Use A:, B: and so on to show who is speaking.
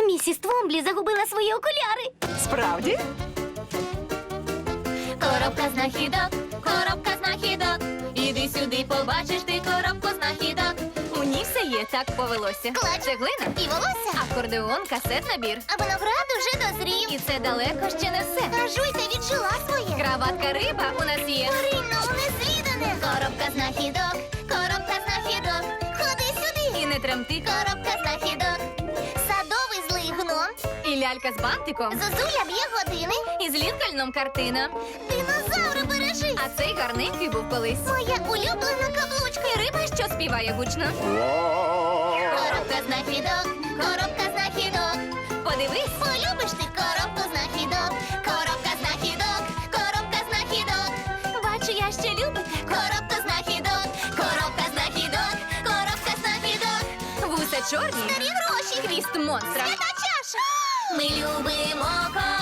A: Місіс Твомблі загубила свої окуляри.
B: Справді?
C: Коробка знахідок, коробка знахідок. Іди сюди, побачиш ти коробку знахідок.
D: У ній все є, так повелося.
C: Клач.
D: Цеглина,
C: І волосся.
D: акордеон, касет-набір.
C: А виноград уже дозрів.
D: І це далеко ще не все.
C: Та жуйка віджила своє.
D: Краватка риба у нас є.
C: Маринно, незвідане. Коробка знахідок, коробка знахідок. Ходи сюди.
D: І не тремти.
C: Коробка знахідок. Садовий злий гном.
D: І лялька з бантиком.
C: Зозуля б'є години.
D: І з Лінкольном картина.
C: Динозаври бережи.
D: А цей гарненький був колись.
C: Моя улюблена каблучка.
D: І риба, що співає гучно.
C: Коробка знахідок, коробка знахідок.
D: Подивись.
C: Полюбиш ти коробку знахідок. Коробка знахідок, коробка знахідок.
D: Бачу, я ще любите.
C: Коробка знахідок, коробка знахідок, коробка знахідок.
D: Вуса чорні.
C: Старі гроші.
D: Хвіст монстра.
C: Свята чаша. Ми любимо коробку.